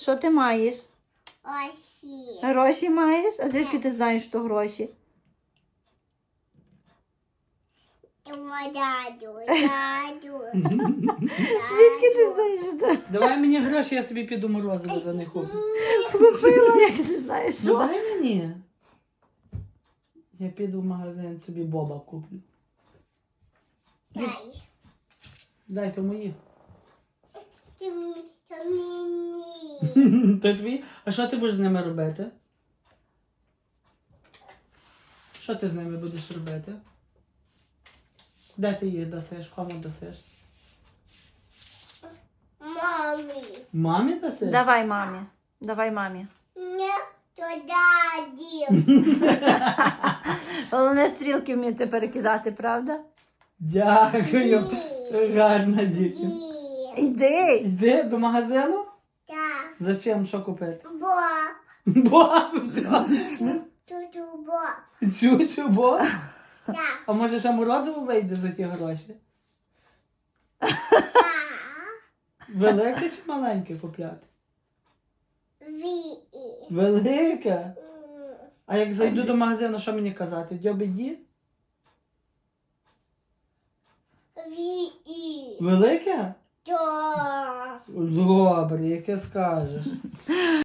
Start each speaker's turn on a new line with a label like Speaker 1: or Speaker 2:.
Speaker 1: Що ти маєш?
Speaker 2: Осі.
Speaker 1: Гроші маєш? А звідки ти знаєш, що гроші?
Speaker 2: Дядю.
Speaker 1: Звідки ти знаєш, що
Speaker 3: Давай мені гроші, я собі піду морозиво за них куплю.
Speaker 1: купила? Як ти знаєш,
Speaker 3: Ну
Speaker 1: що?
Speaker 3: дай мені. Я піду в магазин, собі боба куплю.
Speaker 2: Дай.
Speaker 3: Дай, то мої.
Speaker 2: То мені.
Speaker 3: То твої? А що ти будеш з ними робити? Що ти з ними будеш робити? Де ти їх дасиш? Кому дасиш?
Speaker 2: Мамі.
Speaker 3: Мамі дасиш?
Speaker 1: Давай мамі. Давай мамі.
Speaker 2: Не, то даді.
Speaker 1: Головне стрілки вміти перекидати, правда?
Speaker 3: Дякую. Гарна дівчинка.
Speaker 2: Ді.
Speaker 1: Йди.
Speaker 3: Йди до магазину?
Speaker 2: Так.
Speaker 3: Зачем? Що купити?
Speaker 2: Бо.
Speaker 3: Боб, все.
Speaker 2: Туту бо.
Speaker 3: Чучу, боб.
Speaker 2: Так.
Speaker 3: А може ще морозиво вийде за ті гроші?
Speaker 2: Так.
Speaker 3: Велике чи маленьке купляти?
Speaker 2: Ві.
Speaker 3: Велике? А як зайду до магазину, що мені казати? Дьобі-ді?
Speaker 2: Ві.
Speaker 3: Велике?
Speaker 2: То.
Speaker 3: Добре, яке скажеш.